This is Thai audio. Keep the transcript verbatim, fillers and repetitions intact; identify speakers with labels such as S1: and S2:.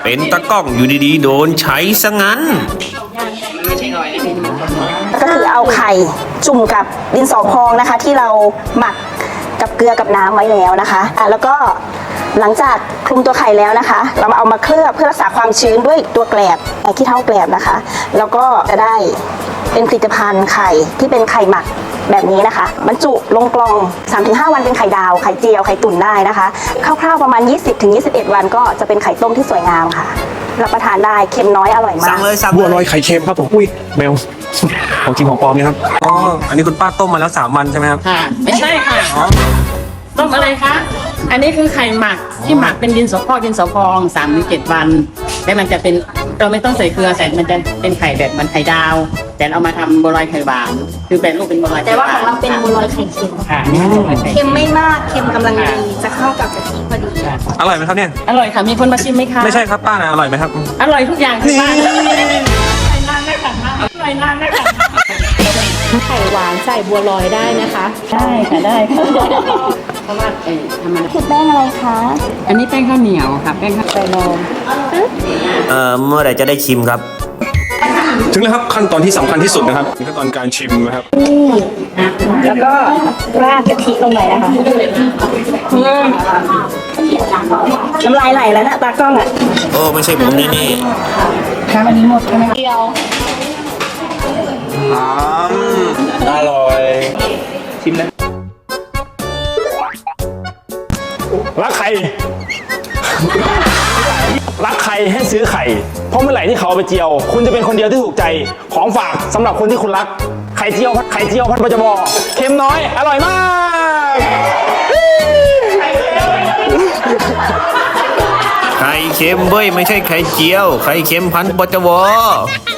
S1: เป็นตะกล้องอยู่ดีๆโดนใช้ซะงั้น
S2: ก็คือเอาไข่จุ่มกับดินสอพองนะคะ ที่เราหมักกับเกลือกับน้ำไว้แล้วนะคะอ่ะแล้วก็หลังจากคลุมตัวไข่แล้วนะคะ เรามาเอามาเคลือบเพื่อรักษาความชื้นด้วยตัวแกลบไอ้ขี้เถ้าแกลบนะคะ แล้วก็จะได้เป็นผลิตภัณฑ์ไข่ที่เป็นไข่หมักแบบนี้นะคะบรรจุลงกล่อง สามถึงห้า วันเป็นไข่ดาวไข่เจียวไข่ตุ๋นได้นะคะคร่าวๆประมาณ ยี่สิบถึงยี่สิบเอ็ด วันก็จะเป็นไข่ต้มที่สวยงามค่ะรับประทานได้เค็มน้อยอร่อยมาก
S1: สั่งเลยสั่ง
S3: บัวล
S1: เล
S3: อย
S1: ย
S3: ไข่เค็มครับผมอุ้ยแมว ของจริงของปลอมเนี่ยครับ
S1: อ๋ออันนี้คุณป้าต้มมาแล้วสามวันใช่ไหมครับ
S4: ค่ะไม่ใช่ค่ะต้มอะไรคะ อันนี้คือไข่หมักที่หมักเป็นดินสอพอกดินสอพองสามถึงเจ็ดวันแล้วมันจะเป็นเราไม่ต้องใส่เกลือใส่มันจะเป็นไข่แบบมันไข่ดาว แต่เรามาทำบัวลอยไข่หวานคือเป็นรูปเป็นบัวลอย
S2: แต่ว่าของเราเป็นบัวลอยไข่เค็ม
S4: ค่ะนี่คือบัวลอยไข่
S2: เค็มไม่มากเค็มกำลังดีจะเข้ากับกะทิพอดี
S1: อร่อยไหมครับเนี่ย
S4: อร่อยค่ะมีคนมาชิมไหมคะ
S1: ไม่ใช่ครับป้านะอร่อยไหมครับ
S4: อร่อยทุกอย่างที่บ้านอร่อยนานได้ค่ะอร่อยนานได้ค่ะ
S5: ไข่หวานใส่บัวลอยได้นะคะ
S4: ได้ค่ะได้ค่ะเพราะว่าเออทำมา
S2: คือแป้งอะไรคะ
S4: อันนี้แป้งข้าวเหนียวค่ะแป้งข้าวไก่นม
S1: เอ่อเมื่อไหร่จะได้ชิมครับ
S3: ถึงแล้วครับขั้นตอนที่สำคัญที่สุดนะครับขั้นตอนการชิมนะครับ
S2: แล้วก็ราดกะทิลงไปนะคะอืมน้ำลายไหลแล้วนะตากล้องอ่ะ
S1: โอ้ไม่ใช่ผมแน่
S2: ค่ะวันนี้หมดใช่ไหมเดียว
S3: อืมอร่อย ชิมนะรักใคร รักใครให้ซื้อไข่ เพราะเมื่อไหร่ที่เขาเอาไปเจียว คุณจะเป็นคนเดียวที่ถูกใจของฝากสำหรับคนที่คุณรัก ไข่เจียวไข่เจียวพันปจบเค็มน้อย อร่อยมาก
S1: ๆไข่เค็มเว้ยไม่ใช่ไข่เจียว ไข่เค็มพันธุ์ปจว